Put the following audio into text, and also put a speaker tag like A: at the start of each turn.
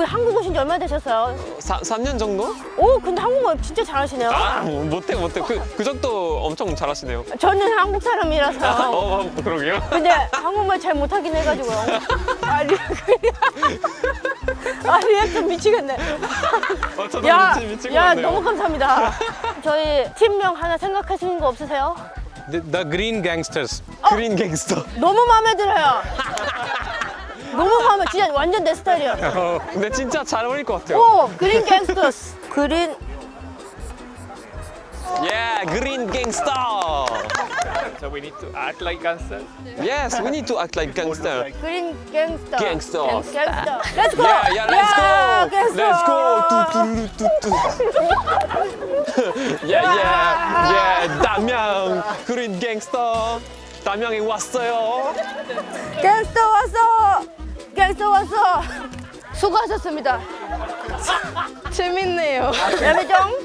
A: 한국 오신 지 얼마나 되셨어요?
B: 3년 정도?
A: 오, 근데 한국말 진짜 잘하시네요.
B: 못해. 그 정도 엄청 잘하시네요.
A: 저는 한국 사람이라서.
B: 그러게요.
A: 근데 한국말 잘 못하긴 해가지고요. 리액션 미치겠네.
B: 저도 미친 것
A: 야,
B: 같네요.
A: 너무 감사합니다. 저희 팀명 하나 생각하시는 거 없으세요?
C: The Green Gangsters.
B: 그린 갱스터.
A: 너무 마음에 들어요. 너무 마음에, 진짜 완전 내 스타일이야.
B: 근데 진짜 잘 어울릴 것 같아요.
A: 오, 그린 갱스터스. 그린,
B: 그린 갱스터.
D: So we need to act like gangsters.
B: Yes, we need to act like gangster.
A: 그린 갱스터.
B: 갱스터.
A: 갱스터. Let's go.
B: Let's go.
A: 갱스터.
B: Let's go. 뚜뚜루뚜뚜. 담양 그린 갱스터. 담양에 왔어요.
A: 갱스터 왔어. 갱스터 왔어. 수고하셨습니다.
E: 재밌네요.
A: 야매정.